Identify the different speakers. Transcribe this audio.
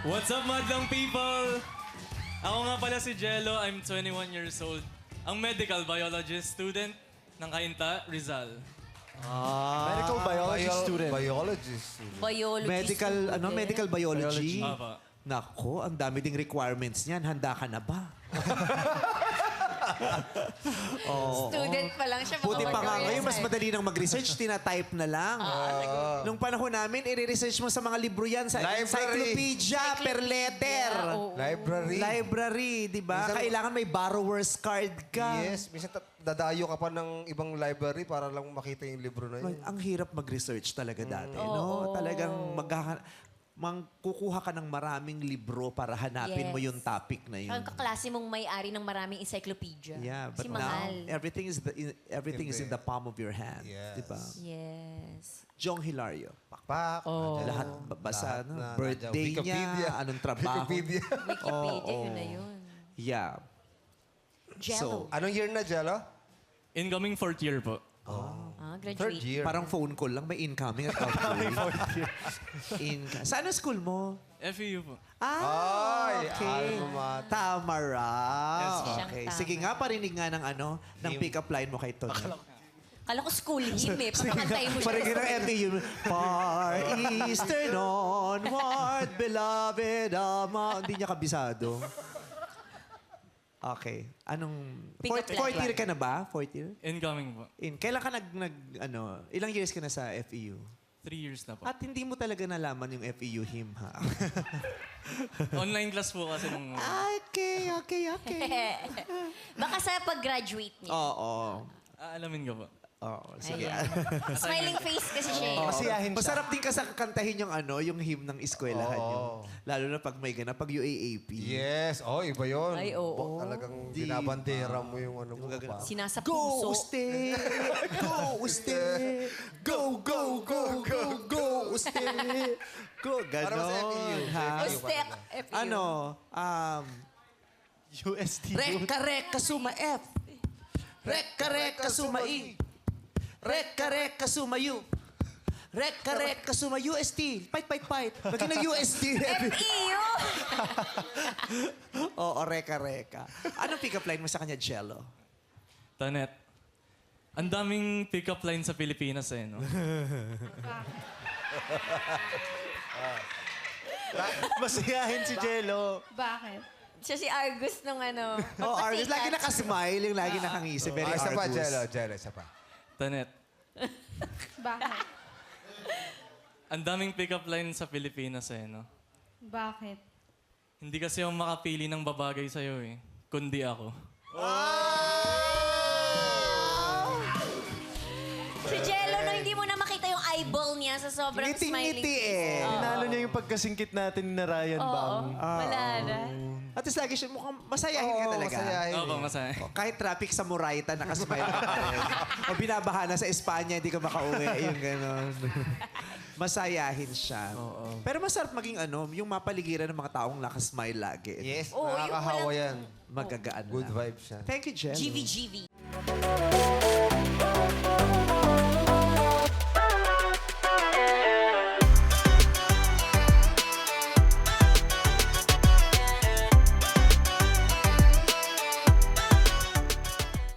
Speaker 1: What's up, madlang people? Ako nga pala si Jello. I'm 21 years old. Ang medical biologist student ng Cainta, Rizal.
Speaker 2: Medical biology student.
Speaker 3: Biologist.
Speaker 4: Biology
Speaker 2: Medical, ano,
Speaker 4: student.
Speaker 2: medical biology.
Speaker 1: Apa.
Speaker 2: Nako, ang dami ding requirements niyan. Handa ka na ba?
Speaker 4: Student pa lang siya.
Speaker 2: Buti pa nga
Speaker 4: makapag-career
Speaker 2: ngayon, mas
Speaker 4: science.
Speaker 2: madali nang mag-research, tinatype na lang. Nung panahon namin, i-research mo sa mga libro yan, sa
Speaker 3: Library.
Speaker 2: encyclopedia per letter.
Speaker 4: Oo.
Speaker 3: Library.
Speaker 2: Library, di ba?
Speaker 3: Minsan-
Speaker 2: Kailangan may borrower's card ka.
Speaker 3: Yes, minsan dadayo ka pa ng ibang library para lang makita yung libro na yun.
Speaker 2: Ang hirap mag-research talaga dati, no? Talagang kukuha ka ng maraming libro para hanapin
Speaker 4: Yes.
Speaker 2: mo yung topic na yun.
Speaker 4: Ang kaklase mong may-ari ng maraming encyclopedia.
Speaker 2: Yeah, but
Speaker 4: si
Speaker 2: now
Speaker 4: Mahal.
Speaker 2: everything is in the palm of your hand,
Speaker 3: Yes.
Speaker 2: di ba?
Speaker 4: Yes.
Speaker 2: Jong Hilario,
Speaker 3: Pakpak.
Speaker 2: lahat basa
Speaker 3: Lahat
Speaker 2: na,
Speaker 3: na,
Speaker 2: birthday
Speaker 3: nandiyan. Wikipedia.
Speaker 2: niya, anong trabaho.
Speaker 3: Wikipedia.
Speaker 4: Wikipedia, yun na yun.
Speaker 2: Yeah.
Speaker 4: Jello.
Speaker 3: Anong year na, Jello?
Speaker 1: Incoming 4th year po.
Speaker 3: Third
Speaker 4: Graduate.
Speaker 3: year.
Speaker 2: Parang phone call lang, may incoming at outgoing. Saan ang school mo?
Speaker 1: FEU po.
Speaker 3: Ay,
Speaker 2: Okay.
Speaker 3: alma mater.
Speaker 2: Tama raw.
Speaker 1: Yes, ma'am.
Speaker 2: Okay.
Speaker 4: Siyang
Speaker 2: Sige
Speaker 4: tama.
Speaker 2: nga, parinig nga ng ng pick-up line mo kay Tony.
Speaker 4: Kala ko school hymn eh. Papakantayin mo siya.
Speaker 2: Parinig ng FEU. Far eastern onward, beloved ama. Hindi niya kabisado. Okay.
Speaker 4: Pick-up line.
Speaker 2: Fourth year ka na ba? Fourth year?
Speaker 1: Incoming po.
Speaker 2: Kailan ka ilang years ka na sa FEU?
Speaker 1: 3 years na po.
Speaker 2: At hindi mo talaga nalaman yung FEU hymn, ha?
Speaker 1: Online class po kasi nung...
Speaker 2: Okay.
Speaker 4: Baka sa pag-graduate niya.
Speaker 2: Oo.
Speaker 1: Aalamin ko po.
Speaker 2: Oo, sige.
Speaker 4: Ayan. Smiling face kasi siya eh.
Speaker 3: Masiyahin siya.
Speaker 2: Masarap din kasi kantahin yung hymn ng eskwelahan
Speaker 3: Oo.
Speaker 2: nyo. Lalo na pag may ganap, pag UAAP.
Speaker 3: Yes. Oh, iba yun.
Speaker 4: Ay, oo.
Speaker 3: Talagang binabandera mo yung ano mo. Pa.
Speaker 4: Sinasa
Speaker 2: Go,
Speaker 4: puso.
Speaker 2: Uste! Go, Uste! Go, go, go, go, go, Uste! Go,
Speaker 3: Para sa FEU.
Speaker 2: ganon. Ha?
Speaker 4: Ustek. FEU.
Speaker 2: Ano?
Speaker 1: UST
Speaker 2: Reka, suma F. Reka, suma I. Reka, suma U. Reka, suma UST. Fight. Maging nag-UST.
Speaker 4: FEU!
Speaker 2: Oo, reka. Anong pick-up line mo sa kanya, Jello?
Speaker 1: Tanet. Ang daming pick-up line sa Pilipinas eh, no?
Speaker 2: Masiyahin si Jello.
Speaker 5: Bakit?
Speaker 4: Siya si Argus nung ano.
Speaker 2: Oh, Argus. Lagi
Speaker 4: papasikat.
Speaker 2: nakasmile, yung lagi nakangisi. Very
Speaker 3: Isa pa,
Speaker 2: Argus.
Speaker 3: Jello, isa pa.
Speaker 1: Tanet.
Speaker 5: Bakit?
Speaker 1: Ang daming pick-up line sa Pilipinas eh, no?
Speaker 5: Bakit?
Speaker 1: Hindi kasi ako makapili ng babagay sa'yo eh. Kundi ako.
Speaker 4: Si Jello, no, hindi mo na makita yung eyeball niya sa sobrang smiling
Speaker 2: Ngiti-ngiti
Speaker 4: face.
Speaker 2: eh.
Speaker 6: Tinalo niya yung pagkasingkit natin na Ryan Bang.
Speaker 4: Wala na.
Speaker 2: At least lagi siya mukhang masayahin ka talaga.
Speaker 3: masayahin.
Speaker 1: Opo, masaya.
Speaker 2: Kahit traffic sa Murayta, nakasmile ka pa rin. O binabaha na sa Espanya, hindi ka makauwi. Yung gano'n. Masayahin siya. Pero masarap maging yung mapaligiran ng mga taong nakasmile lagi.
Speaker 3: Yes,
Speaker 4: Oo, yung
Speaker 3: nakakahawa
Speaker 4: walang-
Speaker 3: yan.
Speaker 2: Magagaan
Speaker 3: Good
Speaker 2: lang.
Speaker 3: vibes yan.
Speaker 2: Thank you, Jello.
Speaker 4: GV.